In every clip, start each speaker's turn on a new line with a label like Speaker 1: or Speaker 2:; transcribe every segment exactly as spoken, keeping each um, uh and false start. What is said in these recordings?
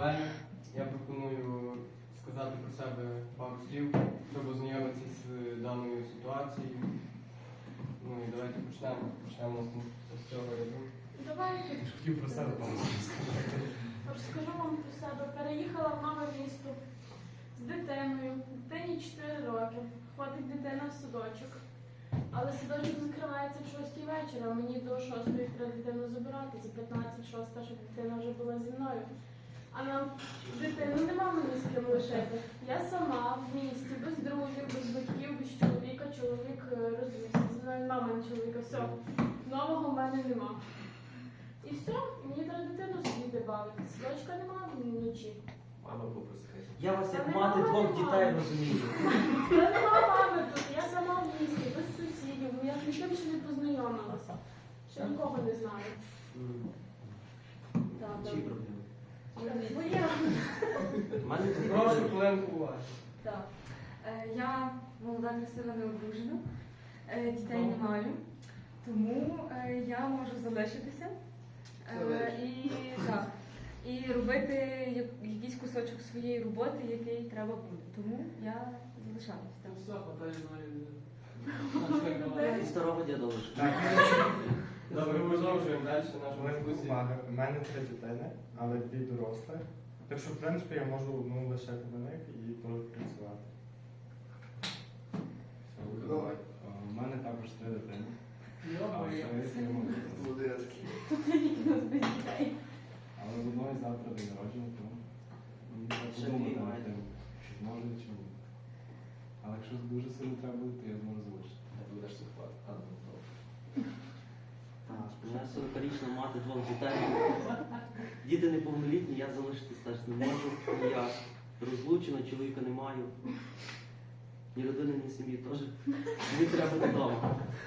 Speaker 1: далі. Я пропоную сказати про себе пару слів, щоб ознайомитися з даною ситуацією. Ну і давайте почнемо. Почнемо з цього ряду.
Speaker 2: Давайте.
Speaker 3: Хотів про себе пару слів сказати.
Speaker 2: Розкажу вам про себе. Переїхала в нове місто з дитиною. Дитині чотири роки. Ходить дитина в садочок. Але садочок закривається в шостій вечора. Мені до шостої треба дитину забирати. За п'ятнадцять шоста, щоб дитина вже була зі мною. А нам дитину нема мені з ким лишити. Я сама в місті, без друзів, без батьків, без чоловіка. Чоловік розвівся. Зі мною нема в мене чоловіка. Все. Нового в мене нема. І все, мені треба дитину сидіти бавити. Садочка нема вночі.
Speaker 4: Мама попросила.
Speaker 5: Я вас
Speaker 2: Та
Speaker 5: як
Speaker 2: нема
Speaker 5: мати двох
Speaker 2: мами.
Speaker 5: дітей розумію.
Speaker 2: Та нема мами тут, я сама в місті, без сусідів. Я з ніким ще не познайомилася. Ще нікого не знаю. Так,
Speaker 5: Чиї проблеми?
Speaker 2: Своє.
Speaker 5: У мене тут
Speaker 1: Прошу хвилинку уваги.
Speaker 6: Так. Е, Я молода, красива, не одружена, Е, дітей не маю, тому е, я можу залишитися е, і, так, і робити я- якийсь кусочок своєї роботи, який треба буде. Тому я залишаюсь. Так.
Speaker 1: Все, хватає
Speaker 5: і старого діда лише.
Speaker 3: Так,
Speaker 1: Добре, продовжуємо далі нашу
Speaker 3: Велика
Speaker 1: дискусію.
Speaker 3: увага. У мене три дитини, але дві дорослі. Так що, в принципі, я можу одну лишити на них і теж працювати. Все,
Speaker 4: Давай.
Speaker 3: А, У мене також три дитини. А,
Speaker 1: Йо-моє.
Speaker 3: все, я можу.
Speaker 2: Тут тільки нас без дітей.
Speaker 3: Але в одної завтра день народження, тому мені треба
Speaker 5: Ще
Speaker 3: подумати
Speaker 5: дві
Speaker 3: над
Speaker 5: маєте.
Speaker 3: тим, чи може чи ні. Але якщо дуже сильно треба буде, то я зможу залишити.
Speaker 4: Не будеш сухвати. А, ну, добре.
Speaker 5: Так, у мене сорокарічна мати двох дітей. Діти неповнолітні, я залишитись теж не можу. Я розлучена, чоловіка не маю. Ні родини, ні сім'ї теж. Мені треба додому.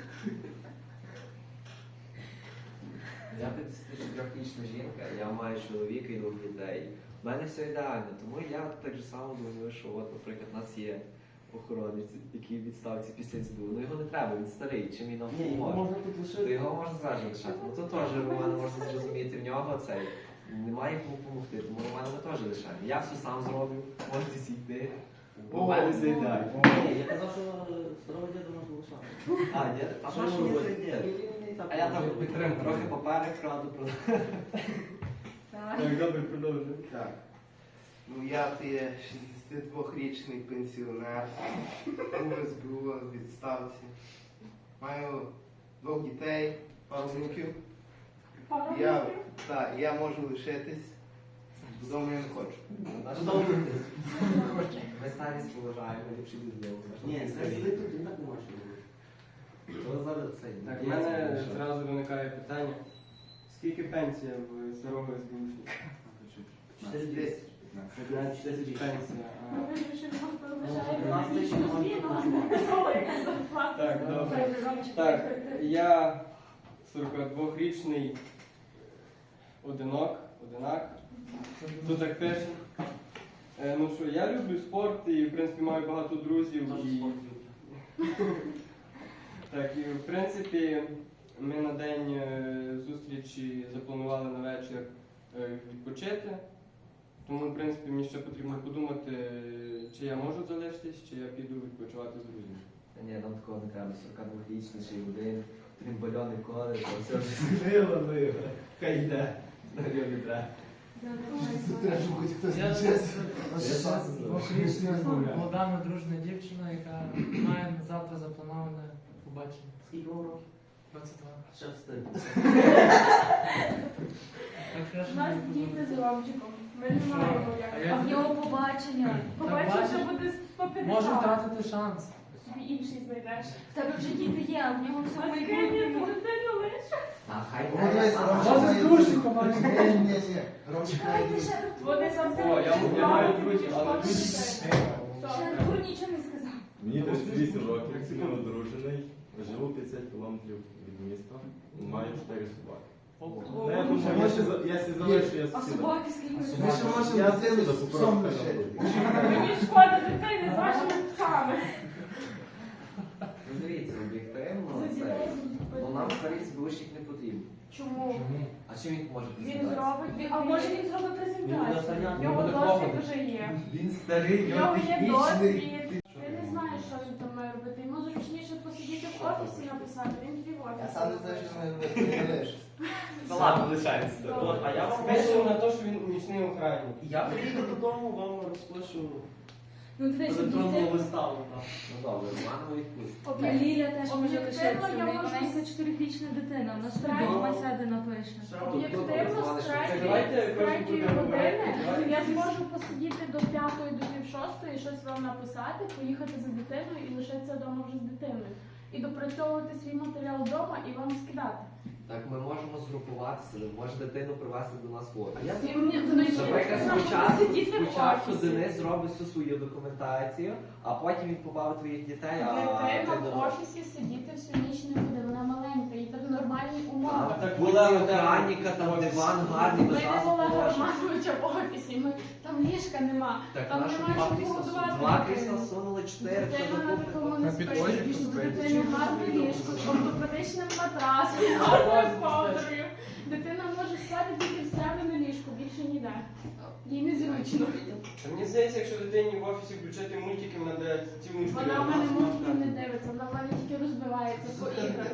Speaker 4: Я тридцятичотирирічна жінка, я маю чоловіка і двох дітей. У мене все ідеально, тому я так же само думаю, що от, наприклад, у нас є охоронець, який в відставці після СБУ. Ну його не треба, він старий, чим він нам
Speaker 5: Ні, його
Speaker 4: поможе.
Speaker 5: можна тут
Speaker 4: То
Speaker 5: лишити.
Speaker 4: його можна зразу лишати. Ну то теж Роман можна зрозуміти, в нього цей. Немає кому допомогти, тому Романа ми теж лишаємо. Я все сам зроблю, можете сійти. У мене все ідеально.
Speaker 5: Ні, я казав, що е, старого діда можна лишати.
Speaker 4: А, ні? А що
Speaker 5: Що
Speaker 4: ж
Speaker 5: ж
Speaker 4: робити?
Speaker 5: робити?
Speaker 4: А я там підтримую, трохи поперек краду просто.
Speaker 6: Так.
Speaker 1: Так, добре, продовжуємо.
Speaker 7: Так. Ну я то є шістдесятидвохрічний пенсіонер, був в СБУ в відставці. Маю двох дітей, пару внуків.
Speaker 2: Пару
Speaker 7: Я,
Speaker 2: років.
Speaker 7: так, я можу лишитись. Додому я не хочу.
Speaker 5: Додому.
Speaker 4: Ми старість поважаємо, ліпші додому.
Speaker 5: Ні, старий тут він так не може робити.
Speaker 4: То зараз цей.
Speaker 1: Так, в мене зразу виникає питання. Скільки пенсія в старого СБУшника?
Speaker 5: Чотири
Speaker 7: Десять.
Speaker 5: Навіть чотири тисячі.
Speaker 1: Пенсія.
Speaker 2: Ми
Speaker 1: а.
Speaker 2: вирішили, що
Speaker 5: Ну,
Speaker 2: вважаємо
Speaker 5: нас
Speaker 2: вічну
Speaker 5: лише
Speaker 2: зміну.
Speaker 5: можна
Speaker 2: Ой, яка зарплата.
Speaker 1: Так, добре.
Speaker 2: Добре.
Speaker 1: Так, я сорокадвохрічний одинок, одинак. Тут так пише. Е, Ну що, я люблю спорт і, в принципі, маю багато друзів.
Speaker 5: Теж
Speaker 1: І,
Speaker 5: спорт люблю.
Speaker 1: так, і, в принципі, ми на день е, зустрічі запланували на вечір е, відпочити. Тому, в принципі, мені ще потрібно подумати, чи я можу залишитись, чи я піду відпочивати з друзями.
Speaker 4: Та ні, нам такого не треба. сорокадвохрічний ще й один, тримбальони коли, то все вже змило, ну його. Хай йде. Нам його не треба.
Speaker 7: Треба, щоб хоч хтось
Speaker 8: Я
Speaker 7: чесно.
Speaker 8: двохрічна молода надружна дівчина, яка має завтра заплановане побачення.
Speaker 5: Скільки вам років?
Speaker 8: двадцять два.
Speaker 5: Ще встиг.
Speaker 8: Так
Speaker 2: У
Speaker 8: краще
Speaker 2: нас
Speaker 8: не
Speaker 2: діти з
Speaker 8: буду.
Speaker 2: Ромчиком. Ми не маємо
Speaker 8: А
Speaker 2: як.
Speaker 8: я-
Speaker 6: А в нього побачення.
Speaker 2: Побачиш,
Speaker 8: бачиш?
Speaker 2: що буде сто
Speaker 8: Може
Speaker 2: п'ятдесят.
Speaker 8: втратити шанс.
Speaker 2: Собі інший знайдеш.
Speaker 6: В тебе вже діти є, а в нього все
Speaker 2: А скинь
Speaker 6: майбутнє.
Speaker 2: дитину лиш.
Speaker 4: А хай
Speaker 7: О, дивись,
Speaker 4: сам.
Speaker 7: Ромчик
Speaker 8: Може,
Speaker 7: має
Speaker 8: з дружкою
Speaker 7: друзів.
Speaker 8: побачиш?
Speaker 7: Ні, ні, ні. Ромчик має
Speaker 6: Чекайте,
Speaker 7: друзів.
Speaker 6: ще
Speaker 2: Вони сам
Speaker 1: О, я- я маю друзів, але
Speaker 2: Мати
Speaker 1: друзі-
Speaker 2: дітей.
Speaker 6: Ще
Speaker 2: Все.
Speaker 6: Артур нічого не сказав.
Speaker 9: Мені тридцять вісім років, я одружений, живу п'ятдесят кілометрів від міста, маю чотири собаки. Ну, я думаю, я ще за- я ще залишу, я
Speaker 6: А
Speaker 9: сусіда.
Speaker 6: собаки скільки?
Speaker 7: Ми ще
Speaker 9: Я
Speaker 7: можемо дитину
Speaker 9: сусіда
Speaker 7: з псом
Speaker 9: попрошу,
Speaker 7: лишити.
Speaker 2: Мені шкода дитини з вашими псами.
Speaker 4: Ну дивіться, об'єктивно,
Speaker 2: За
Speaker 4: це.
Speaker 2: дітей.
Speaker 4: Ну нам старий збушник не потрібен.
Speaker 2: Чому?
Speaker 3: Чому?
Speaker 4: А чим він може
Speaker 2: Він
Speaker 4: презентацію?
Speaker 2: зробить, він- а може він зробить презентацію?
Speaker 5: Він
Speaker 2: Його
Speaker 9: буде
Speaker 2: досвід
Speaker 9: пробувати.
Speaker 2: вже є.
Speaker 4: Він старий,
Speaker 2: В
Speaker 4: він
Speaker 2: нього є
Speaker 4: технічний.
Speaker 2: досвід. Ти не знаєш, що він там має робити. Йому зручніше посидіти в офісі написати. Він тобі в
Speaker 7: Я
Speaker 2: офісі.
Speaker 7: сам не знаю, що ми не лишимося.
Speaker 4: Та ладно, лишається.
Speaker 5: От, а я вам
Speaker 1: Спешимо на те, що він нічний охранник.
Speaker 5: Я приїду додому, вам розпишу
Speaker 6: Ну, ти десь
Speaker 5: електронного
Speaker 6: дітей.
Speaker 5: листа. так.
Speaker 4: Ну добре, маму відпустимо.
Speaker 6: І
Speaker 2: Окей.
Speaker 6: Ліля теж може
Speaker 2: Об'єктивно,
Speaker 6: лишитися.
Speaker 2: я
Speaker 6: В неї
Speaker 2: можу
Speaker 6: маленька чотирирічна дитина. Вона собі
Speaker 2: Правильно.
Speaker 6: вдома сяде напише.
Speaker 2: Об'єктивно, з
Speaker 1: Давайте
Speaker 2: третьої з
Speaker 1: кожен
Speaker 2: третьої
Speaker 1: буде
Speaker 2: години
Speaker 1: говорити.
Speaker 2: я зможу посидіти до п'ятої, до пів шостої, щось вам написати, поїхати за дитиною і лишитися вдома вже з дитиною. І допрацьовувати свій матеріал вдома і вам скидати.
Speaker 4: Так ми можемо згрупуватися, може дитину привезти до нас в офіс.
Speaker 5: Я
Speaker 2: І мені ну, і
Speaker 4: Наприклад,
Speaker 2: вона буде
Speaker 4: спочатку,
Speaker 2: сидіти в
Speaker 4: спочатку
Speaker 2: офісі.
Speaker 4: Денис зробить всю свою документацію, а потім він побавить твоїх дітей, а
Speaker 2: Дитина
Speaker 4: ти
Speaker 2: в
Speaker 4: до
Speaker 2: офісі сидіти всю ніч не буде, вона маленька, їй так нормальні умови.
Speaker 1: так
Speaker 4: Вулиці
Speaker 1: була
Speaker 4: охранника, там диван гарний,
Speaker 2: Ми
Speaker 4: без
Speaker 2: не
Speaker 4: нас
Speaker 2: Олега
Speaker 4: положено.
Speaker 2: Романовича в офісі, ми, там ліжка нема,
Speaker 4: Так,
Speaker 2: там
Speaker 4: наші
Speaker 2: немає
Speaker 4: два
Speaker 2: чого
Speaker 4: крісла
Speaker 2: годувати.
Speaker 4: два крісла сунули, чотири, хто
Speaker 2: Дитина на
Speaker 4: докупить.
Speaker 2: такому
Speaker 3: На
Speaker 2: не
Speaker 3: підлозі
Speaker 2: спить,
Speaker 3: поспить.
Speaker 2: дитині гарне ліжко, з ортопедичним матрасом, з гарною ковдрою. Дитина може спати тільки в себе на ліжку, більше ніде. Їй незручно.
Speaker 1: Та мені здається, якщо дитині в офісі включати мультики, вона дає цілу
Speaker 2: Вона в мене мультиків не дивиться, вона в мене тільки розбивається по іграх.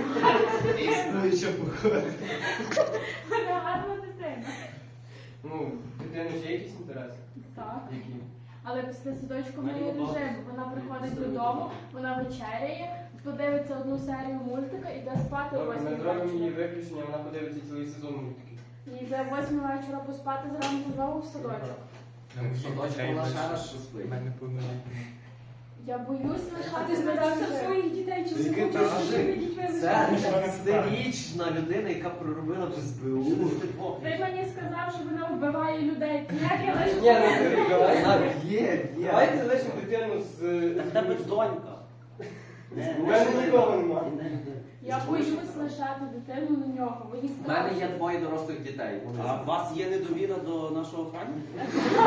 Speaker 7: Існуюча походу.
Speaker 2: Вона гарна дитина.
Speaker 1: Ну, дитини ж є якісь інтереси?
Speaker 2: Так.
Speaker 1: Які?
Speaker 2: Але після садочку в
Speaker 5: Мені
Speaker 2: неї
Speaker 5: багато.
Speaker 2: режим. Вона приходить додому, вона вечеряє, подивиться одну серію мультика і йде спати о
Speaker 1: Добре, ми
Speaker 2: восьмій
Speaker 1: зробимо її
Speaker 2: вечора.
Speaker 1: виключення, вона подивиться цілий сезон мультиків.
Speaker 2: І йде о восьмій вечора поспати зранку знову в садочок.
Speaker 4: В садочку вона ще раз поспить.
Speaker 3: У мене повнолітні.
Speaker 2: Я боюсь
Speaker 6: Ти
Speaker 2: лишати
Speaker 6: збирався
Speaker 2: себе.
Speaker 6: своїх дітей, чи не
Speaker 4: Яке
Speaker 6: хочеш
Speaker 4: так?
Speaker 6: з своїми дітьми
Speaker 4: Це
Speaker 6: лишатися?
Speaker 4: шестирічна людина, яка проробила в СБУ.
Speaker 2: Ти мені сказав, що вона вбиває людей. Як я лишу
Speaker 1: Ні, ну,
Speaker 2: себе?
Speaker 1: давай.
Speaker 4: Вона б'є, б'є.
Speaker 1: Давайте лишимо дитину з...
Speaker 5: Так в тебе ж донька. Не,
Speaker 1: У мене нікого нема.
Speaker 5: не, не.
Speaker 2: Я боюсь лишати дитину на нього. Мені
Speaker 4: У мене є
Speaker 2: страшно.
Speaker 4: двоє дорослих дітей. Вони
Speaker 5: А у вас є недовіра до нашого охранника?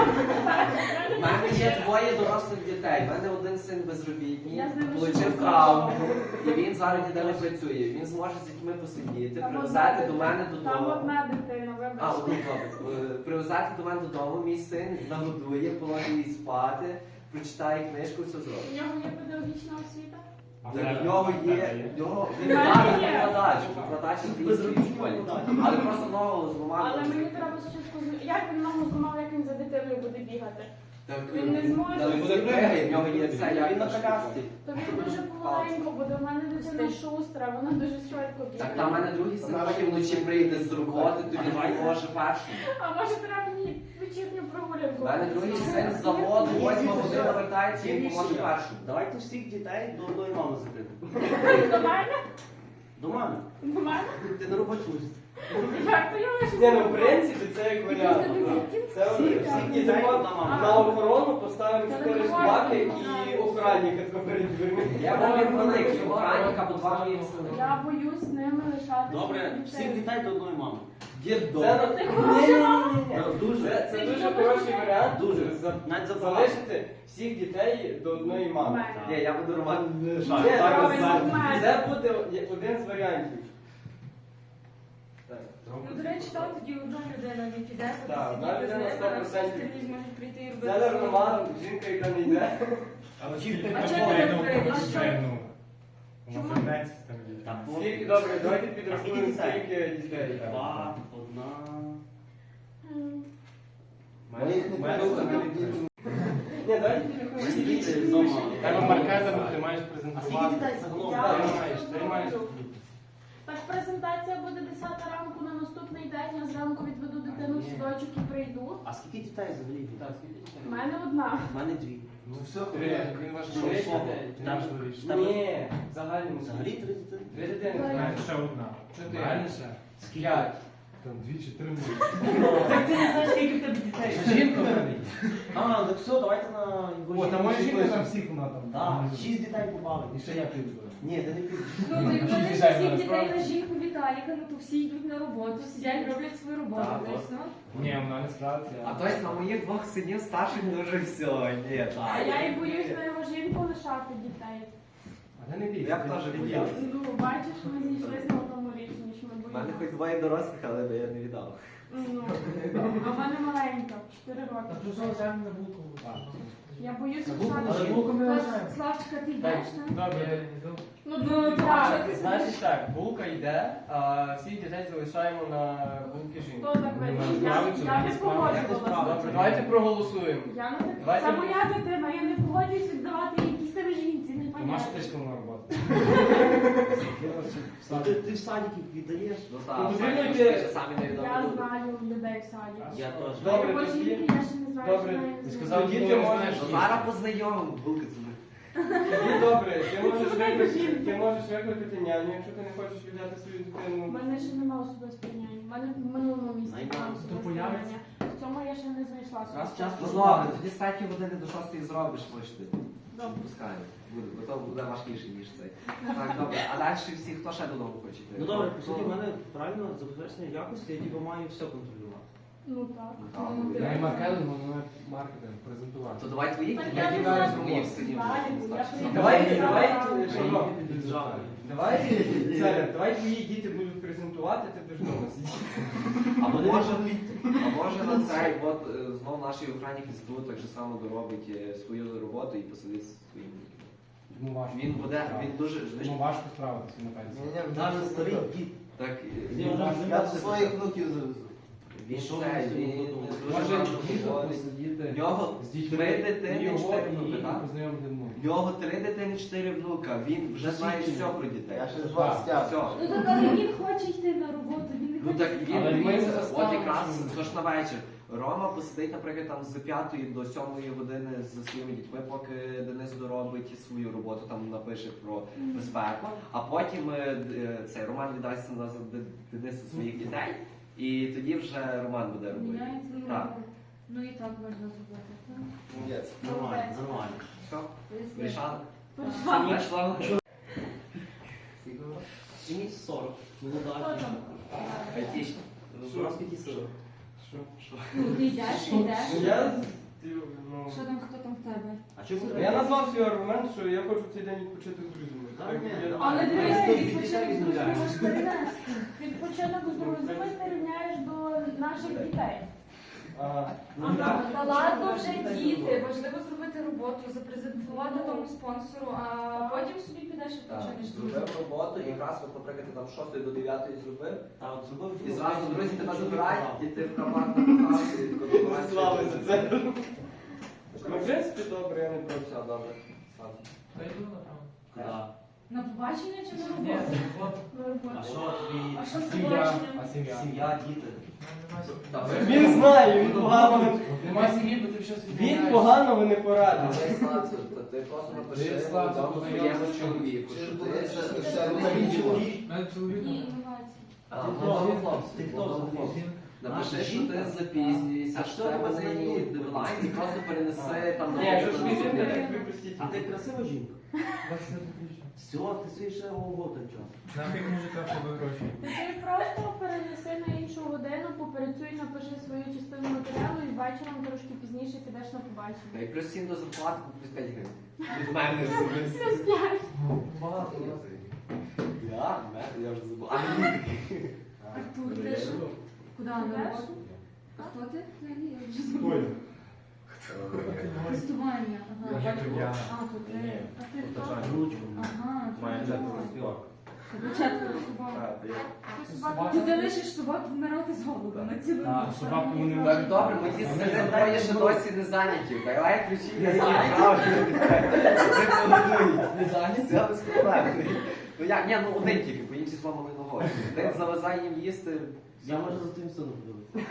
Speaker 4: У мене є двоє дорослих дітей. У мене один син безробітний,
Speaker 2: Я з ними
Speaker 4: отримав
Speaker 2: живу.
Speaker 4: травму, і він зараз ніде не працює. Він зможе з дітьми посидіти,
Speaker 2: Там
Speaker 4: привезти
Speaker 2: одна
Speaker 4: до мене
Speaker 2: дитина. Там
Speaker 4: додому.
Speaker 2: одна дитина,
Speaker 4: А,
Speaker 2: вибачте.
Speaker 4: одну добре. Е, Привезти до мене додому, мій син нагодує, положить її спати, прочитає книжку, все
Speaker 2: У
Speaker 4: зробить.
Speaker 2: нього є педагогічна освіта?
Speaker 4: Так, в нього є, в нього він
Speaker 2: В мене є.
Speaker 4: викладач, викладач англійської школі. Але просто нового зламав.
Speaker 2: Але мені треба спочатку з- як він ногу зламав, як він за дитиною буде бігати.
Speaker 4: Так,
Speaker 2: Він не зможе.
Speaker 4: Та він буде бігати, в нього є це,
Speaker 5: Я
Speaker 4: як
Speaker 5: він на колясці.
Speaker 2: То він дуже помаленько буде. У мене дитина шустра, вона дуже швидко
Speaker 4: Так,
Speaker 2: бігає.
Speaker 4: там в мене другий син потім вночі прийде з роботи, то він може першим.
Speaker 2: А може треба мені вечірню прогулянку?
Speaker 4: У мене другий син з заводу, восьма година вертається, і він поможе першим.
Speaker 5: Давайте всіх дітей до одної мами закрити.
Speaker 2: До мене?
Speaker 5: До мами.
Speaker 2: До мене?
Speaker 5: Ти на роботі лишишся.
Speaker 2: Як то я лише?
Speaker 1: Ні, ну в принципі це як варіант. Це
Speaker 5: Всіх
Speaker 1: всіх
Speaker 5: дітей
Speaker 1: дітей
Speaker 5: одна мама.
Speaker 1: на охорону поставимо
Speaker 2: Та
Speaker 1: чотири
Speaker 2: не
Speaker 1: собаки
Speaker 2: можна.
Speaker 1: і охранника перед дверми.
Speaker 4: Я був великий охранник або два мої сини.
Speaker 2: Я боюсь з ними лишати
Speaker 5: Добре,
Speaker 2: своїх
Speaker 5: всіх
Speaker 2: дітей.
Speaker 5: дітей до одної мами.
Speaker 4: Дідо.
Speaker 1: Це на-
Speaker 2: Ти
Speaker 1: Ні,
Speaker 2: хороша
Speaker 1: ні,
Speaker 2: мама?
Speaker 1: ні, ні.
Speaker 5: Ну, дуже.
Speaker 1: Це, це
Speaker 2: Ти
Speaker 1: дуже
Speaker 2: любиш
Speaker 1: хороший
Speaker 2: дітей?
Speaker 1: варіант.
Speaker 5: Дуже.
Speaker 1: За-
Speaker 5: Навіть забагато.
Speaker 1: Залишити всіх дітей до одної мами.
Speaker 2: Мене.
Speaker 4: Ні, я буду Роман
Speaker 1: Ні,
Speaker 2: Ні,
Speaker 1: так,
Speaker 2: правильно,
Speaker 1: так.
Speaker 2: в мене.
Speaker 1: Це буде один з варіантів. Так.
Speaker 6: Ну, до речі, там тоді одна людина не піде, бо
Speaker 1: Так, одна
Speaker 6: сидіти з
Speaker 1: людина
Speaker 6: ними,
Speaker 1: сто
Speaker 6: а всі
Speaker 1: процентів.
Speaker 6: остальні зможуть прийти і робити.
Speaker 1: Це
Speaker 6: свою
Speaker 1: нормально,
Speaker 6: роботу.
Speaker 1: жінка, яка не йде.
Speaker 3: Але скільки
Speaker 6: А
Speaker 3: такого
Speaker 6: чого ти
Speaker 3: я
Speaker 6: не
Speaker 3: не
Speaker 6: прийдеш?
Speaker 3: хочу
Speaker 6: А що?
Speaker 3: жену.
Speaker 2: Чому?
Speaker 3: Вона вернеться з тим дітьми.
Speaker 5: Так, ну,
Speaker 1: Скільки, добре, давайте
Speaker 5: Скільки
Speaker 1: підрахуємо,
Speaker 5: дітей?
Speaker 1: скільки дітей.
Speaker 5: Два, одна.
Speaker 2: М.
Speaker 3: Моїх не
Speaker 1: Ні, давайте підрахуємо,
Speaker 5: Скільки
Speaker 1: скільки
Speaker 5: дітей
Speaker 1: дітей.
Speaker 5: вдома?
Speaker 3: Тебе маркетинг ти маєш
Speaker 5: А скільки
Speaker 3: презентувати.
Speaker 5: дітей загалом?
Speaker 2: Я-
Speaker 3: Ти маєш, ти маєш.
Speaker 2: Так, презентація буде десята ранку на наступний день. Я зранку відведу дитину в садочок і прийду.
Speaker 5: А скільки дітей взагалі?
Speaker 1: Так, скільки дітей?
Speaker 2: У мене одна.
Speaker 5: У мене дві.
Speaker 3: Ну все, він ваш
Speaker 1: Що,
Speaker 3: шоу.
Speaker 1: що?
Speaker 5: Там-
Speaker 3: важливіше.
Speaker 5: там-
Speaker 1: Ні, в загальному.
Speaker 5: Взагалі три дітей.
Speaker 1: Дві дитини.
Speaker 2: Давай.
Speaker 1: знаєш.
Speaker 3: Ще одна.
Speaker 1: Чотири.
Speaker 3: Реально ще?
Speaker 1: П'ять.
Speaker 3: Там дві чи три може.
Speaker 5: Так ти не знаєш, скільки в тебе дітей.
Speaker 3: Жінка в мене є.
Speaker 5: А, так все, давайте на його
Speaker 3: О, там моя жінка
Speaker 5: жінку.
Speaker 3: там всіх вона там.
Speaker 5: Так, шість дітей побали.
Speaker 3: І ще я піду.
Speaker 5: Ні, ти не підеш.
Speaker 6: Ну, ти
Speaker 3: Всі
Speaker 6: мене
Speaker 3: дітей
Speaker 6: всіх
Speaker 3: на
Speaker 6: дітей
Speaker 3: справді.
Speaker 6: на жінку Віталіка, ну то всі йдуть на роботу, сидять, роблять свою роботу.
Speaker 5: Так,
Speaker 6: знаєш,
Speaker 5: от.
Speaker 6: ну.
Speaker 3: Ні, вона не справиться.
Speaker 4: А тобто на моїх двох синів старших дуже все. Ні,
Speaker 2: А
Speaker 4: так.
Speaker 2: я і боюсь на його жінку лишати дітей.
Speaker 3: Але не бійся.
Speaker 4: Я б
Speaker 3: ти-
Speaker 4: теж
Speaker 3: ти
Speaker 4: боявся.
Speaker 3: боявся.
Speaker 2: Ну, бачиш, ми зійшлися на тому рішенні, що ми
Speaker 4: У мене хоч
Speaker 2: боїмося.
Speaker 4: двоє дорослих, але я не віддав.
Speaker 2: Ну, а в мене маленька, чотири
Speaker 8: Та
Speaker 2: роки.
Speaker 8: тут знову взяємо на булку.
Speaker 3: Так.
Speaker 2: Я боюся
Speaker 8: На булку,
Speaker 2: лишати.
Speaker 8: але булку ми
Speaker 6: Слав-
Speaker 8: лишаємо.
Speaker 6: Славчика, ти йдеш, так?
Speaker 1: Добре.
Speaker 2: Ну,
Speaker 6: Ну,
Speaker 2: так.
Speaker 6: так.
Speaker 1: Значить так, булка йде, а всіх дітей залишаємо на булки жінки.
Speaker 2: Хто так вийде?
Speaker 3: Ну,
Speaker 2: Я,
Speaker 3: справиться,
Speaker 2: я
Speaker 3: не
Speaker 2: не
Speaker 3: справиться.
Speaker 2: погоджувалася.
Speaker 1: Добре, давайте проголосуємо.
Speaker 2: Я не так.
Speaker 1: Давайте-
Speaker 2: Це моя дитина, я не погоджуюсь віддавати їй якісь там жінці, не
Speaker 3: То Маша
Speaker 2: понятно.
Speaker 3: теж на роботу.
Speaker 5: Ну, Ти, ти в садики віддаєш?
Speaker 4: Ну
Speaker 1: Ну,
Speaker 4: так,
Speaker 1: потрібно
Speaker 4: самі
Speaker 1: йти-
Speaker 4: ще самі не
Speaker 2: Я
Speaker 4: віддав.
Speaker 2: знаю людей в саді.
Speaker 5: Я теж.
Speaker 1: Добре,
Speaker 2: Його
Speaker 1: тоді-
Speaker 2: жінки я ще не знаю,
Speaker 1: Добре,
Speaker 2: що неї
Speaker 3: ти
Speaker 2: звуть.
Speaker 3: сказав,
Speaker 1: Тоді
Speaker 3: ти
Speaker 1: ти
Speaker 3: не
Speaker 1: можеш.
Speaker 3: знаєш.
Speaker 4: Ну зараз познайомимо, булки це.
Speaker 1: Тоді добре, ти можеш
Speaker 2: Це не
Speaker 1: викликати,
Speaker 2: жінка.
Speaker 1: ти можеш викликати няню, якщо ти не хочеш віддати свою
Speaker 2: У
Speaker 1: дитину.
Speaker 2: мене ще немає особистої няні. У мене в минулому місці
Speaker 5: Найма.
Speaker 2: була
Speaker 8: То
Speaker 2: особиста
Speaker 8: появиться?
Speaker 2: няня. В цьому я ще не знайшла
Speaker 5: Раз
Speaker 2: особистої.
Speaker 5: час
Speaker 4: Ну добре, тоді з третьої години до шостої зробиш, можете.
Speaker 2: Добре.
Speaker 4: Пускаємо. Буде, бо то буде важкіше, ніж цей. Так, добре. А далі всі, хто ще додому хоче йти?
Speaker 5: Ну добре, по суті, в мене правильно забезпечення якості, я типу маю все контролювати.
Speaker 2: Ну так.
Speaker 4: Ну, так.
Speaker 6: Ну,
Speaker 3: Я і маркетинг, воно маркетинг, презентувати.
Speaker 4: То давай твої,
Speaker 2: Так
Speaker 4: я
Speaker 2: я
Speaker 4: кидаю
Speaker 2: не
Speaker 4: з моїх
Speaker 2: знаю,
Speaker 4: синів.
Speaker 2: знаю, я прийду.
Speaker 1: Давай,
Speaker 2: Я
Speaker 1: давай,
Speaker 2: знаю.
Speaker 1: що?
Speaker 5: Піджали.
Speaker 1: Давай, Царя, давай твої діти будуть презентувати, ти будеш вдома сидіти.
Speaker 4: А може, а може на цей, от е, знов наш охранник із так же само доробить е, свою роботу і посидить зі своїм.
Speaker 3: Йому важко.
Speaker 4: Він буде, він дуже, знаєш,
Speaker 3: Йому важко справитися на пенсії.
Speaker 5: Навіть старий дід.
Speaker 4: так,
Speaker 5: З
Speaker 4: е,
Speaker 5: ним можна
Speaker 7: Я
Speaker 5: займатися.
Speaker 7: своїх внуків завезу.
Speaker 4: він
Speaker 5: Що
Speaker 4: це,
Speaker 5: ви
Speaker 4: він
Speaker 5: собі
Speaker 4: дуже
Speaker 3: Може
Speaker 4: багато
Speaker 3: діти
Speaker 4: ходить.
Speaker 3: посидіти
Speaker 4: В нього
Speaker 3: з дітьми,
Speaker 4: три дитини,
Speaker 3: його
Speaker 4: чотири
Speaker 3: і
Speaker 4: внуки, так?
Speaker 3: познайомити внуки.
Speaker 4: В нього три дитини, чотири внука. Він вже знає все про дітей.
Speaker 7: Я ще два стяг.
Speaker 4: Все.
Speaker 6: Ну так, але він хоче йти на роботу, він не
Speaker 4: Ну
Speaker 6: хоче.
Speaker 4: так він
Speaker 3: Але ми
Speaker 4: дивіться,
Speaker 3: не
Speaker 4: от
Speaker 3: заставимо,
Speaker 4: якраз
Speaker 3: що він-
Speaker 4: тож на вечір. Рома посидить, наприклад, там з п'ятої до сьомої години зі своїми дітьми, поки Денис доробить свою роботу, там напише про безпеку, а потім е, д- цей Роман віддасть назад Д- Денису своїх дітей, і тоді вже Роман буде робити.
Speaker 6: Міняється, ну,
Speaker 4: Так.
Speaker 6: ну і так можна зробити. так?
Speaker 4: Молодець.
Speaker 5: Нормально, нормально.
Speaker 4: Все,
Speaker 6: Поясни.
Speaker 4: вирішали?
Speaker 2: Прийшла.
Speaker 4: Прийшла.
Speaker 5: Мені сорок.
Speaker 2: Хто
Speaker 5: Молода.
Speaker 2: там?
Speaker 4: Айтішні.
Speaker 5: Раз скільки сорок.
Speaker 1: Що?
Speaker 6: Ну, ти йдеш, ти йдеш.
Speaker 1: Я, ти, ну,
Speaker 6: Що там, хто там в тебе?
Speaker 5: А чому
Speaker 1: я назвав свій аргумент, що я хочу в цей день відпочити з друзями.
Speaker 5: Та
Speaker 1: Так,
Speaker 5: ні.
Speaker 1: я-
Speaker 2: Але
Speaker 5: Ми
Speaker 2: дивись,
Speaker 5: з
Speaker 2: відпочинок з друзями
Speaker 5: відмовляємо.
Speaker 2: можеш перенести. Відпочинок з друзями ти рівняєш до наших дітей.
Speaker 1: Ага.
Speaker 5: Ну,
Speaker 2: Ага.
Speaker 5: так.
Speaker 6: Та ладно вже діти, важливо зробити роботу, запрезентувати тому спонсору, а потім собі підеш і
Speaker 4: Так,
Speaker 6: почнеш
Speaker 4: зробив
Speaker 6: друзі.
Speaker 4: роботу, і якраз, от, наприклад, ти там з шостої до дев'ятої зробив,
Speaker 5: А от зробив
Speaker 4: і зразу друзі тебе забирають, і ти в карман напихався, і тако
Speaker 1: Слава за це. Ну, в принципі, добре, я не проти.
Speaker 4: Все, добре. Слава.
Speaker 8: Та йду напевно.
Speaker 5: Да.
Speaker 6: На побачення чи на
Speaker 8: Ні,
Speaker 6: роботу?
Speaker 8: робота.
Speaker 2: На
Speaker 5: А
Speaker 2: роботу.
Speaker 5: що тобі?
Speaker 6: А що з
Speaker 3: Сім'я,
Speaker 6: побаченням?
Speaker 3: а сім'я?
Speaker 5: Сім'я, діти.
Speaker 8: Ну, нема сім'ї.
Speaker 1: Він знає, він погано.
Speaker 8: Нема сім'ї, бо ти щось
Speaker 1: Він погано ви не порадив.
Speaker 4: Але Славце, то ти просто напиши
Speaker 3: Ти, Славце,
Speaker 4: дому
Speaker 3: познайомся
Speaker 4: своєму
Speaker 3: з
Speaker 4: чоловіку,
Speaker 7: Чи
Speaker 4: що
Speaker 7: ж
Speaker 4: ти
Speaker 7: буде
Speaker 4: це
Speaker 7: це-
Speaker 4: все
Speaker 7: це
Speaker 4: робиш.
Speaker 8: У мене чоловік.
Speaker 6: Ні, інновації.
Speaker 4: А,
Speaker 5: Ти
Speaker 4: ну,
Speaker 5: хто?
Speaker 4: добре, хлопці,
Speaker 5: Ти хто
Speaker 4: добре,
Speaker 5: взагалі?
Speaker 4: хлопці. Напиши,
Speaker 5: Наша
Speaker 4: що ти
Speaker 5: жінка?
Speaker 4: запізнюєшся,
Speaker 5: А
Speaker 4: що
Speaker 5: що
Speaker 4: тебе
Speaker 5: тебе
Speaker 4: не
Speaker 5: знайдуть?
Speaker 4: дедлайн, і просто перенеси там
Speaker 1: Ні, якщо ж ви
Speaker 4: наприклад,
Speaker 1: жінка,
Speaker 4: на
Speaker 1: так ви простіть.
Speaker 5: А ти красива жінка?
Speaker 8: двадцять отлично.
Speaker 5: Все, ти свій ще ого той час.
Speaker 3: Нафіг мужика в тебе гроші.
Speaker 2: Ти просто перенеси на іншу годину, попрацюй, напиши свою частину матеріалу і вечором трошки пізніше підеш на побачення.
Speaker 4: Та й плюс сім до зарплати, плюс п'ять гривень. Від мене особисто.
Speaker 2: Плюс п'ять.
Speaker 5: Багато.
Speaker 4: Я? Мене? Я вже забув. А мені таки.
Speaker 6: Артур, ти що? Куди на
Speaker 2: Йдеш?
Speaker 6: роботу? А хто ти? Взагалі, я вже забула. Тестування. Ага.
Speaker 3: Я я.
Speaker 6: А, то ти. А ти хто?
Speaker 5: Ручку.
Speaker 6: Ага,
Speaker 3: Має
Speaker 6: ти
Speaker 3: четверо
Speaker 6: хто?
Speaker 3: собак.
Speaker 6: Тебе четверо собак.
Speaker 3: Так, я-
Speaker 2: Ти собаку
Speaker 6: Ти залишиш собак вмирати з голоду на цілу
Speaker 3: Так,
Speaker 6: ніч.
Speaker 3: собаку вони не
Speaker 4: Так, добре, мої сини двоє ще досі не зайняті. Давай ключі не зайняті. Це погодують. Не зайняті? Все без проблем. Ну як, ні, ну один тільки, по іншій зламали ногою. Один завезає їм їсти.
Speaker 5: Я можу за твоїм сином подивитися.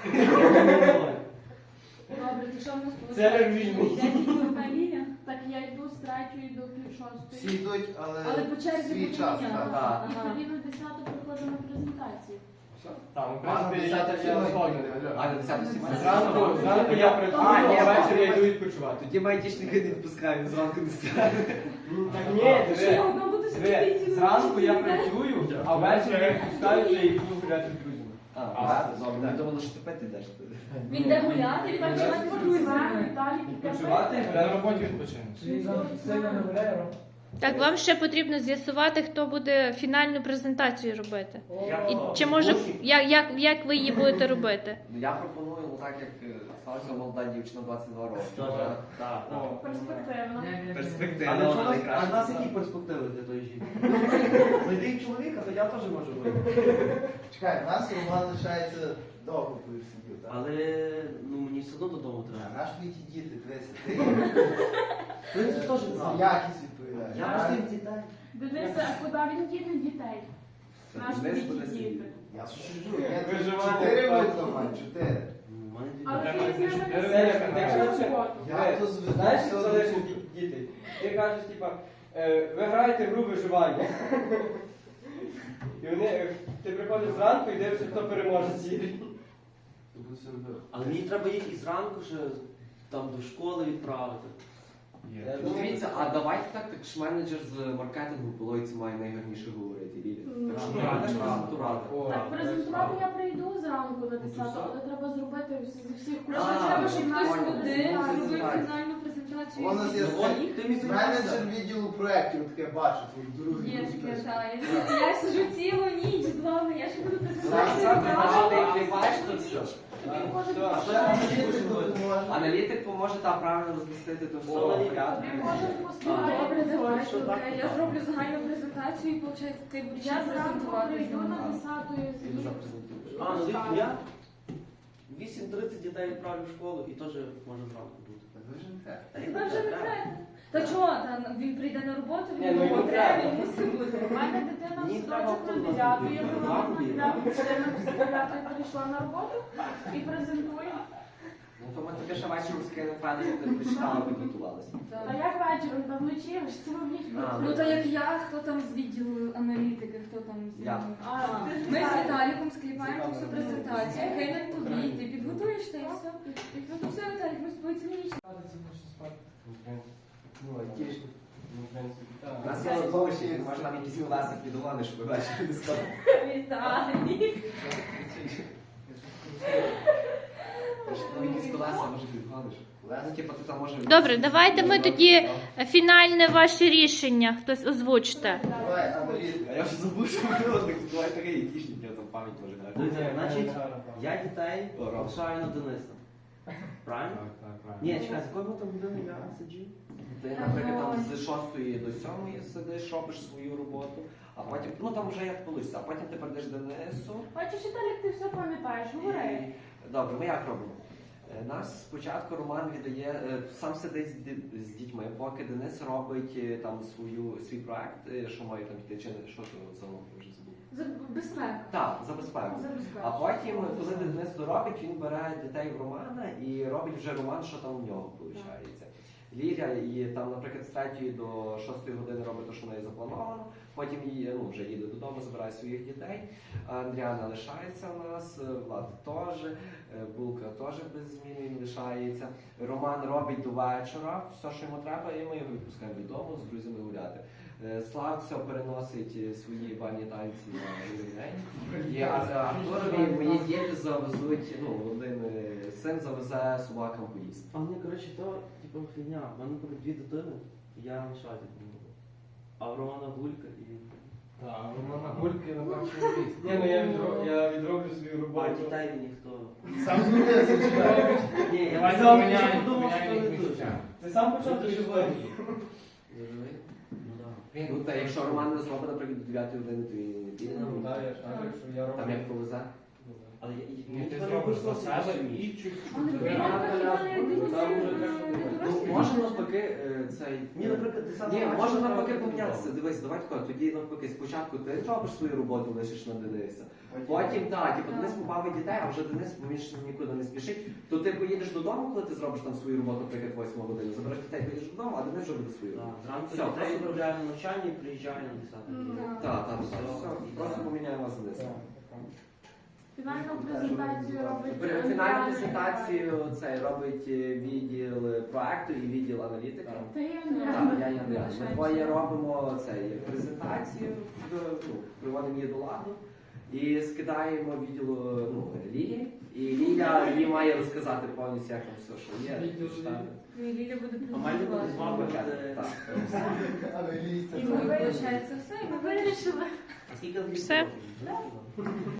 Speaker 2: Добре, ти що в нас
Speaker 1: Це
Speaker 2: виходить?
Speaker 1: вільний.
Speaker 2: Я тільки одна лінія. Так я йду з третьої до пів
Speaker 7: Всі
Speaker 2: шостої.
Speaker 7: йдуть, але,
Speaker 6: Але по черзі
Speaker 7: свій
Speaker 6: буде
Speaker 7: час.
Speaker 6: мінятися.
Speaker 7: так.
Speaker 2: І
Speaker 6: Ага.
Speaker 2: тоді на десяту приходимо презентацію.
Speaker 1: Там, в
Speaker 7: А,
Speaker 1: принципі, я
Speaker 7: десята
Speaker 1: так я
Speaker 7: сьогодні.
Speaker 1: згоден.
Speaker 4: А, на десяту сімейну.
Speaker 1: Зранку, зранку я працюю,
Speaker 4: А, ні,
Speaker 1: а ввечері я
Speaker 4: бачу.
Speaker 1: йду відпочивати.
Speaker 4: Тоді майтішники не відпускають, він зранку не стане.
Speaker 1: Ну, Так ні,
Speaker 6: Ти що, я
Speaker 1: диви.
Speaker 6: одна буду
Speaker 1: Диви,
Speaker 6: сидіти цілу
Speaker 1: зранку
Speaker 6: ніч,
Speaker 1: я
Speaker 6: цілий день?
Speaker 1: працюю, а ввечері я відпускаюся і йду гуляти з друзями.
Speaker 4: А, правда? Добре, ми думали, що ти пити йдеш.
Speaker 6: Він йде гуляти, він
Speaker 2: Так
Speaker 6: так
Speaker 2: я
Speaker 6: не
Speaker 2: відпочиваю,
Speaker 6: друзями.
Speaker 2: далі
Speaker 1: Відпочивати,
Speaker 3: На роботі відпочинеш.
Speaker 8: Чи він сильно не гуляє, Ром?
Speaker 10: Так, вам ще потрібно з'ясувати, хто буде фінальну презентацію робити.
Speaker 5: Я-
Speaker 10: І чи може як, як, як ви її будете робити?
Speaker 4: Ну, я пропоную, ну так як е, сталася молода дівчина двадцять два роки.
Speaker 5: Так, так, так.
Speaker 2: Перспективно.
Speaker 4: Перспективно,
Speaker 5: А для чого-
Speaker 4: найкраще.
Speaker 5: а в нас які перспективи для тої жінки? Знайди чоловіка, то я теж можу вийти.
Speaker 7: Чекай, у нас Роман лишається довго будеш сидіти, так?
Speaker 5: Але ну, мені все одно додому
Speaker 7: А
Speaker 5: треба.
Speaker 7: наш ті діти, дивися, ти
Speaker 5: В принципі, теж
Speaker 7: за
Speaker 5: правда.
Speaker 7: якість відповідаєш.
Speaker 5: Я ж тих дітей.
Speaker 2: Денисе, а куди він діне дітей? Наш
Speaker 4: Денис
Speaker 2: ті
Speaker 4: буде
Speaker 2: діти.
Speaker 4: сидіти.
Speaker 7: Я шучу, я
Speaker 1: Виживання
Speaker 7: чотири
Speaker 1: так.
Speaker 7: видно маю, чотири.
Speaker 5: Ну, в мене дві
Speaker 2: Але
Speaker 5: дітей.
Speaker 2: ти з ними не
Speaker 1: Це як
Speaker 2: сидиш,
Speaker 1: контекст.
Speaker 2: на роботу.
Speaker 7: Я то зведу
Speaker 1: Знаєш,
Speaker 7: все
Speaker 1: що
Speaker 7: до
Speaker 1: залежить
Speaker 7: купи.
Speaker 1: від дітей? Ти кажеш, типа, е, ви граєте в гру виживання. І вони, е, ти приходиш зранку і дивишся, хто переможе в цій грі.
Speaker 5: Але мені треба їх і зранку ще там до школи відправити.
Speaker 1: Я
Speaker 4: Ну,
Speaker 1: думаю,
Speaker 4: дивіться, а давайте так, так ж менеджер з маркетингу Полойці має найгарніше говорити. Лілія. Так що
Speaker 2: Ну,
Speaker 4: правда ж
Speaker 5: правда.
Speaker 4: презентувати.
Speaker 1: О,
Speaker 2: Так, презентувати
Speaker 1: так.
Speaker 2: я прийду зранку на десяту, але треба зробити зі всіх
Speaker 4: А,
Speaker 6: Просто треба, щоб хтось
Speaker 4: понял.
Speaker 6: один зробив
Speaker 4: Презентацію.
Speaker 6: фінальну презентацію.
Speaker 7: У нас є
Speaker 5: Ну, от, ти мені
Speaker 7: менеджер відділу проєктів, таке бачу, твій другий
Speaker 6: Є
Speaker 7: друг
Speaker 6: таке,
Speaker 7: список.
Speaker 6: так. Я- Я сиджу цілу ніч з вами, я ще буду
Speaker 4: Зараз,
Speaker 6: презентацію.
Speaker 4: зараз, значить, ти
Speaker 6: робити.
Speaker 4: кліпаєш, то все.
Speaker 2: Тобі може
Speaker 1: Так,
Speaker 7: А ще
Speaker 2: поспівати.
Speaker 7: аналітик допоможе.
Speaker 4: Аналітик поможе та правильно розмістити то все.
Speaker 1: О,
Speaker 4: порядку.
Speaker 2: Тобі може поспівати.
Speaker 6: Добре, давай,
Speaker 5: Що так,
Speaker 6: окей.
Speaker 5: то
Speaker 6: Я
Speaker 5: так.
Speaker 6: зроблю загальну презентацію і, виходить, ти будеш
Speaker 2: Я зранку
Speaker 6: презентувати.
Speaker 2: прийду на десяту і
Speaker 4: Ти
Speaker 2: з'їду.
Speaker 4: запрезентуєш.
Speaker 5: А, ну дивіться, я вісім тридцять дітей відправлю в школу і теж може зранку бути.
Speaker 7: Так ви ж не те.
Speaker 5: Та й
Speaker 6: Та
Speaker 5: не
Speaker 6: вже не
Speaker 5: треба.
Speaker 6: треба. Та чого, там він прийде на роботу,
Speaker 1: Ні,
Speaker 6: він
Speaker 1: ну, йому
Speaker 6: йому треба,
Speaker 1: треба.
Speaker 6: він мусить бути.
Speaker 2: У мене дитина в
Speaker 5: Мені
Speaker 2: садочок
Speaker 5: треба
Speaker 2: на дев'яту, я
Speaker 5: автобус.
Speaker 2: завела на дев'яту, дитина з дев'ятої перейшла на роботу і презентую.
Speaker 4: Ну, то ми тобі ще вечором скинемо файно, щоб ти прочитала, підготувалася.
Speaker 2: А як вечором, там вночі, ви ж цілу ніч
Speaker 4: А,
Speaker 6: Ну то як я, хто там з відділу аналітики, хто там з
Speaker 4: Я.
Speaker 2: А,
Speaker 6: Ми з Віталіком скліпаємо всю презентацію, кинемо тобі, ти підготуєшся і все. Ну то все, Віталік, ми з тобою цілу ніч.
Speaker 1: Ну, айтішник. Ну, в принципі, так.
Speaker 4: У нас є литовище, може нам якісь колеса підгони, щоб ви бачили не сказали.
Speaker 6: Віталік.
Speaker 4: Нам якісь колеса, може підгониш. Ну, типу, ти там може...
Speaker 10: Добре, давайте ми тоді фінальне ваше рішення. Хтось озвучте.
Speaker 7: Давай, аналітик.
Speaker 4: А я вже забув, що було, так давай такий айтішник, я там пам'ять може грати.
Speaker 5: Дивіться, значить,
Speaker 1: Я...
Speaker 5: я дітей
Speaker 4: О, Ром.
Speaker 5: лишаю на Дениса. Правильно?
Speaker 3: Так, так, правильно.
Speaker 5: Ні, чекай, з якої ми там години я сиджу?
Speaker 4: Ти, наприклад, там з шостої до сьомої сидиш, робиш свою роботу, а потім, ну там вже як вийде, а потім ти перейдеш Денису.
Speaker 2: Бачиш, Віталік, ти все пам'ятаєш, говори.
Speaker 4: І- Добре, ми як робимо? Е, Нас спочатку Роман віддає, е, сам сидить з ді- з дітьми, поки Денис робить е, там свою, свій проект, е, що має там піти, чи не, що то за мову вже забув.
Speaker 2: За безпеку.
Speaker 4: Так, за безпеку.
Speaker 2: За безпеку.
Speaker 4: А потім, коли Денис доробить, він бере дітей в Романа і робить вже Роман, що там у нього виходить. Ліля і там, наприклад, з третьої до шостої години робить те, що в неї заплановано. Потім її, ну, вже їде додому, забирає своїх дітей. Андріана лишається у нас, Влад теж, е, Булка теж без зміни він лишається. Роман робить до вечора все, що йому треба, і ми його відпускаємо додому з друзями гуляти. Е, Славця переносить е, свої бані танці на другий день. І а- Артурові мої діти завезуть, ну, один е, син завезе собакам поїсти.
Speaker 5: А мені, коротше, то, типу, хріня. У мене буде дві дитини, і я лишаю дитину. А в Романа Гулька і він.
Speaker 8: Так, Романа Гульки на першому місці.
Speaker 1: Ні, ну я відроблю, я відроблю свою
Speaker 5: А
Speaker 1: роботу.
Speaker 5: дітей ніхто.
Speaker 7: Сам змінився, чекай.
Speaker 5: Ні, я
Speaker 8: Давай
Speaker 5: сам
Speaker 8: поміняємо,
Speaker 5: подумав, що
Speaker 8: поміняємо
Speaker 5: не
Speaker 8: їх
Speaker 5: дуже.
Speaker 8: місцями.
Speaker 1: Ти сам почав
Speaker 5: Дуже
Speaker 1: дуже
Speaker 5: важливо.
Speaker 4: Зрозумів?
Speaker 5: Ну, да.
Speaker 4: Ну, та якщо Роман не зробить, наприклад, до дев'ятої години, то він не піде.
Speaker 1: Ну, так, я ж кажу, що я роблю.
Speaker 4: Там як повезе.
Speaker 5: Але я- і-
Speaker 8: Ні,
Speaker 5: мені
Speaker 8: ти
Speaker 5: треба
Speaker 8: зробиш
Speaker 5: якось
Speaker 8: за себе
Speaker 5: самі.
Speaker 8: і чуть-чуть.
Speaker 2: Але
Speaker 1: Ну,
Speaker 2: ви
Speaker 1: я
Speaker 2: так
Speaker 1: на
Speaker 2: хіба
Speaker 1: коляску,
Speaker 2: не
Speaker 1: там вже
Speaker 2: дивіться,
Speaker 1: так,
Speaker 4: Ну, може навпаки е, цей...
Speaker 5: Ні, наприклад, ти сам
Speaker 4: Ні,
Speaker 5: бачиш,
Speaker 4: може
Speaker 5: що
Speaker 4: навпаки
Speaker 5: треба
Speaker 4: помінятися.
Speaker 5: додому.
Speaker 4: Дивись, давай тако, тоді навпаки спочатку ти робиш свою роботу, лишиш на Дениса. Потім, так, типу, Денис побавить дітей, а вже Денис, бо він ж нікуди не спішить. То ти поїдеш додому, коли ти зробиш там свою роботу, наприклад, восьму годину, забереш дітей, поїдеш додому, а Денис вже буде свою
Speaker 5: Так,
Speaker 4: роботу.
Speaker 5: Зранку
Speaker 4: Все,
Speaker 5: дітей
Speaker 4: просто-
Speaker 5: відправляю на навчання і приїжджаю на десяту.
Speaker 6: Так.
Speaker 4: Так, так, все, все, просто поміняємо вас з Денисом.
Speaker 2: Фінальну презентацію робить.
Speaker 4: При-
Speaker 2: Андріана.
Speaker 4: Фінальну презентацію цей робить е, відділ проекту і відділ аналітики.
Speaker 2: Ти і
Speaker 4: Так,
Speaker 2: Андріана.
Speaker 4: я і Андріан. Ми двоє робимо цей презентацію, в- ну, приводимо її до ладу. І скидаємо відділу ну, Лілі. І Ліля їй має розказати повністю, як там все, що є.
Speaker 8: Відділ
Speaker 4: почитати.
Speaker 6: Ну, і Ліля буде
Speaker 5: А має бути з
Speaker 6: презентувати.
Speaker 5: вами буде...
Speaker 4: Так.
Speaker 7: Але ліця
Speaker 6: І ми, виходить, все, і ми
Speaker 2: Ми вирішили.
Speaker 5: А скільки
Speaker 10: Все.
Speaker 5: років?